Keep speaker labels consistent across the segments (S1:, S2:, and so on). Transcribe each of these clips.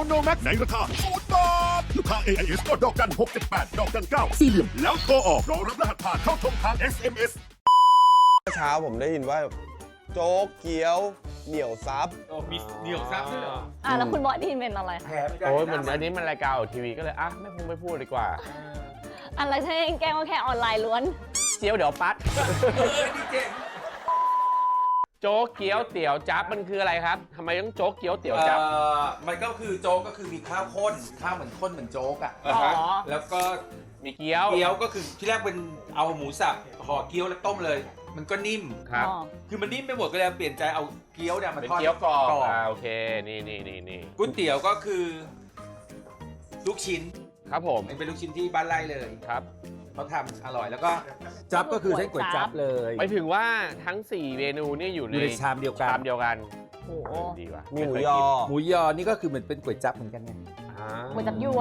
S1: โนแม็กในราคา0 บาทลูกค้า AIS ก็ดอกจัน678ดอกจัน9สี่เหลี่ยมแล้วโทรออกรอรับรหัสผ่านเข้าชมทาง SMS
S2: เช้าผมได้ยินว่าโจ๊กเกี๊ยวเหนียวซับ
S3: มีเหนียวซับด้วยเหรอ
S4: แล้วคุณบอสได้ยินเป็นอะไรคะ
S5: โอ้ยมันอันนี้มันรายการออกทีวีก็เลยไม่พูดดีกว่า
S4: อะไรใช่แกล้งว่าแค่ออนไลน์ล้วน
S5: เจียวเดี๋ยวปัด
S3: นี่เจ๋ง
S5: โจ๊กเกี๊ยวเตี๋ยวจั๊บมันคืออะไรครับทำไมต้องโจ๊กเกี๊ยวเตี๋ยวจั๊บ
S3: มันก็คือโจ๊กก็คือมีข้าวข้นข้าวเหมือนข้นเหมือนโจ๊กอ่ะ
S4: อ๋อ
S3: แล้วก็
S5: มีเกี๊ยว
S3: เกี๊ยวก็คือที่แรกเป็นเอาหมูสับห่อเกี๊ยวแล้วต้มเลย มันก็นิ่ม
S5: ครับ
S3: คือมันนิ่มไปหมดก็เลยเปลี่ยนใจเอาเกี๊ยวเนี่ยมา
S5: เป็น
S3: ทอด
S5: เกี๊ยวกรอบ
S3: กรอบ
S5: โอเคนี่
S3: ก๋วยเตี๋ยวก็คือ ลูกชิ้น
S5: ครับผม
S3: มันเป็นลูกชิ้นที่บ้านไร่เลย
S5: ครับ
S3: เขาทำอร่อยแล้วก็จับก็คือเส้นก๋วยจับเลย
S5: ไปถึงว่าทั้ง 4 เมนูนี่อยู่
S3: อยู่ในชามเดียวกัน
S5: ชามเดียวกัน
S4: โอ้โห
S5: ดีว่ะ
S2: มีหมูยอ
S3: หมูยอนี่ก็คือเหมือนเป็นก๋วยจับเหมือนกันไง
S4: ก๋วยจับยวน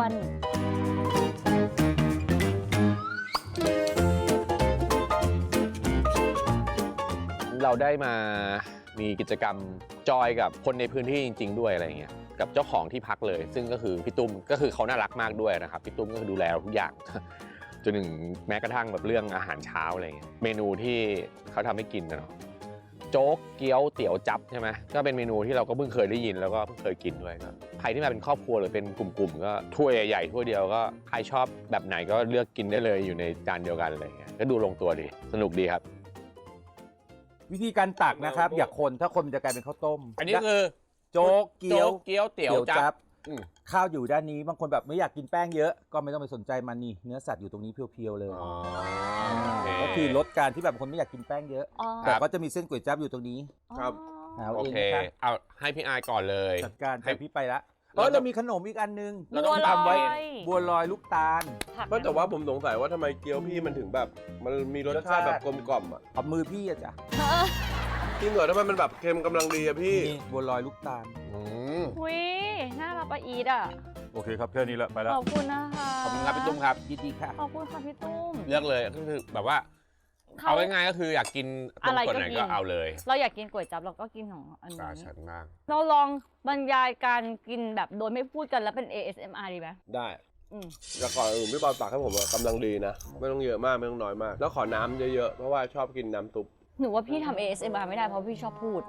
S5: เราได้มามีกิจกรรมจอยกับคนในพื้นที่จริง ๆ ด้วยอะไรเงี้ยกับเจ้าของที่พักเลย ซึ่งก็คือพี่ตุ้มก็คือเขาน่ารักมากด้วยนะครับพี่ตุ้มก็คือดูแลเราทุกอย่าง จนถึงแม้กระทั่งแบบเรื่องอาหารเช้าอะไรเงี้ยเมนูที่เขาทำให้กินนะเนาะโจ๊กเกี๊ยวเตี๋ยวจั๊บใช่ไหมก็เป็นเมนูที่เราก็เพิ่งเคยได้ยินแล้วก็เพิ่งเคยกินด้วยก็ใครที่มาเป็นครอบครัวหรือเป็นกลุ่มๆก็ถ้วยใหญ่ๆถ้วยเดียวก็ใครชอบแบบไหนก็เลือกกินได้เลยอยู่ในจานเดียวกันอะไรเงี้ยก็ดูลงตัวดีสนุกดีครับ
S6: วิธีการตักนะครับ อย่าคนถ้าคนมันจะกลายเป็นข้าวต้ม
S5: อันนี้คือ
S6: โจ๊กเกี๊ยว
S5: โจ๊กเกี๊ยวเตี๋ยวจั๊บอืม
S6: ข้าวอยู่ด้านนี้บางคนแบบไม่อยากกินแป้งเยอะก็ไม่ต้องไปสนใจมันนี่เนื้อสัตว์อยู่ตรงนี้เพียวๆเลย
S5: อ๋อ
S6: ก็คือลดการที่แบบคนไม่อยากกินแป้งเยอะ
S4: อ๋อ
S6: แต่ก็จะมีเส้นก๋วยจั๊บอยู่ตรงนี้
S2: ครับ
S6: เอา
S5: โอ
S6: เอง
S5: เค
S6: นะครับ
S5: เอาให้พี่อายก่อนเลย
S6: จัดการ
S5: ให้
S6: แต่พี่ไปละ
S5: เรา
S6: เรามีขนมอีกอันนึง
S5: เราต้อง
S4: บัวลอย
S5: ทำไว้
S6: บัวลอยลูกตาล
S4: ผัก
S2: ไม่แต่ว่าผมสงสัยว่าทำไมเกี๊ยวพี่มันถึงแบบ มันมีรสชาติแบบกลมกล่อมอ่ะ
S6: เอามือพี่อะจ้ะ
S2: จริงเหรอทำไมมันแบบเค็มกำลังดีอะพี่
S6: นี่บัวลอยลูกตาล
S5: อืม
S4: หุยน่ารักปะอีดอ่ะ
S6: โอเคครับแค่นี้ละไปแล้ว
S4: ขอบคุณนะคะ
S5: ขอบคุณครับพี่ตุ้มครับ
S6: ยินดีค่ะ
S4: ขอบคุณค่ะพี่ตุ้ม
S5: เลือกเลยก็คือแบบว่า เอาง่ายๆก็คืออยากกินตรงส่วนไหนก็เอาเลย
S4: เราอยากกินก๋วยจั๊บเราก็กินของอัน
S5: ตา
S4: นี้
S5: ฉันมาก
S4: เราลองบรรยายการกินแบบโดยไม่พูดกันแล้วเป็น ASMR ดีไหม
S2: ได้
S4: อืม
S2: แต่ก่อนอื่นพี่บอลตักให้ผมอะกำลังดีนะ ไม่ต้องเยอะมากไม่ต้องน้อยมาก แล้วขอน้ำเยอะๆ เพราะว่าชอบกินน้ำซุป
S4: หนูว่าพี่ทำ ASMR ไม่ได้เพราะพี่ชอบพูด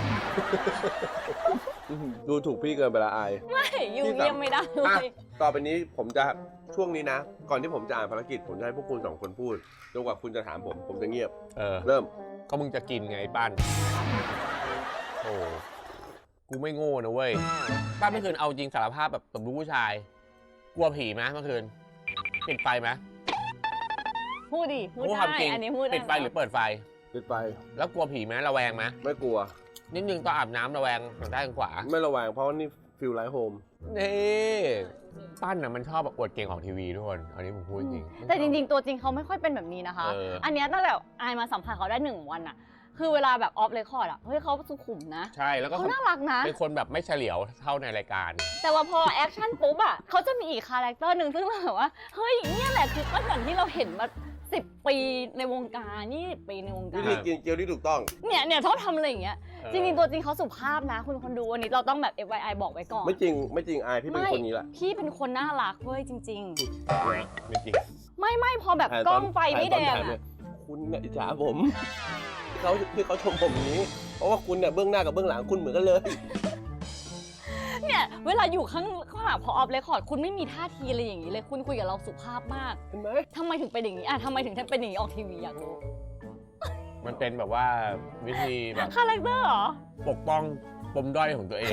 S2: ดูถูกพี่เกินไปละอาย
S4: ไม่อยู่เยี่ยมไม่ได้เล
S2: อ่ะ
S4: ย
S2: ต่อไปนี้ผมจะช่วงนี้นะ ก่อนที่ผมจะอ่านภารกิจผมจะให้พวกคุณสองคนพูดจนกว่าคุณจะถามผมจะเงียบ เริ่ม
S5: ก็มึงจะกินไงป้านโอ้กูไม่โง่นะเว้ยป้านเมื่อคืนเอาจริงสารภาพแบบสมรู้ผู้ชาย กลัวผีไหมเมื่อคืนปิดไฟไหม
S4: พูดดิพูด
S5: พูดค
S4: ได้
S5: วามจริง
S4: อันนี้พูดได้
S5: ปิดไฟหรือเปิดไฟ
S2: ปิดไป
S5: แล้วกลัวผีไหมระแวงไหม
S2: ไม่กลัว
S5: นิดนึงตอนอาบน้ำระแวงทางด้านขวา
S2: ไม่ระแวงเพราะว่านี่ฟิลไลท์โฮม
S5: นี่ปั้นน่ะมันชอบแบบอวดเก่งของทีวีทุกคนอันนี้ผมพูดจริง
S4: แต่จริงๆ ตัวจริงเขาไม่ค่อยเป็นแบบนี้นะคะ อันเนี้ยตั้งแต่อายมาสัมผัสเขาได้1 วันอะคือเวลาแบบออฟเรคคอร์ดอะเฮ้ยเขาสุขุมนะ
S5: ใช่แล้วก็
S4: เขาน่ารักนะ
S5: เป็นคนแบบไม่เฉลียวเท่าในรายการ
S4: แต่ว่าพอแอคชั่นปุ๊บอะเขาจะมีอีกคาแรคเตอร์หนึ่งซึ่งเราแบบว่าเฮ้ยเนี่ยแหละคือปั้นอย่างที่เราเห็นมา10 ปีในวงการ20 ปีในวงกา
S2: วิ
S4: ร
S2: ธีกินเกี๊ยวที่ถูกต้อง
S4: เนี่ยชอบทำอะไรอย่างเงี้ยจริงๆตัวจริงเขาสุภาพนะ คุณคนดูวันนี้เราต้องแบบ FYI บอกไว้ก่อน
S2: ไม่จริงอายพี่เป็นคนนี้แหละ
S4: พี่เป็นคนน่ารักเว้ยจริง
S5: ไม่จริง
S4: ๆ ไม่พอแบบกล้องไฟไม่แดง
S2: ถ่ายตอนถ่ายเนี่
S4: อะ
S2: ยคุณเนี่ยอิจฉาผมที่เขาชมผมอย่างนี้ เพราะว่าคุณเนี่ยเบื้องหน้ากับเบื้องหลังคุณเหมือนกันเลย
S4: เนี่ยเวลาอยู่ข้างหลังพอออฟเรคคอร์ดคุณไม่มีท่าทีอะไรอย่างนี้เลยคุณคุยกับเราสุภาพมาก
S2: เห็นไหม
S4: ทำไมถึงเป็นอย่างนี้อ่ะทำไมถึงเป็นอย่างนี้ออกทีวีอยากรู้
S5: มันเป็นแบบว่าวิธีแบบ
S4: คาแรคเตอร์เหรอ
S5: ปกป้องปมด้อยของตัวเอง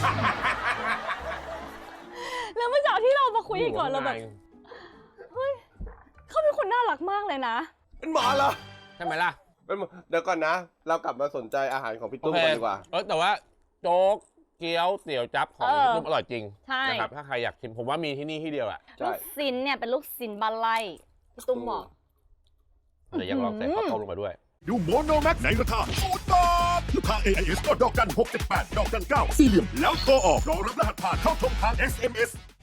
S4: แล้วเมื่อเช้าที่เรามาคุยกันก่อนเราแบบเฮ้ยเขาเป็นคนน่ารักมากเลยนะ
S2: เป็นหมอเหรอ
S5: ใช่ไหมล่ะ
S2: เป็นหมอเดี๋ยวก่อนนะ เรากลับมาสนใจอาหารของพี่ตุ้มกันดีกว่า
S5: แต่ว่าโจ๊กเกี๊ยวเตี๋ยวจั๊บของพี่ตุ้มอร่อยจริง
S4: ใช่
S5: นะครับถ้าใครอยากชิมผมว่ามีที่นี่ที่เดียวอ่ะ
S2: ใช่
S4: ลูกซินเนี่ยเป็นลูกซินบ้านไร่พี่ตุ้มบอก
S5: เดี๋ยวยังลองใส่ข้าวต้มลงมาด้วย
S1: ดูโมโนแม็กในราคา0 บาทลูกค้า AIS ก็ดอกจัน678ดอกจัน9สี่เหลี่ยมแล้วโทรออกรอรับรหัสผ่านเข้าชมทาง SMS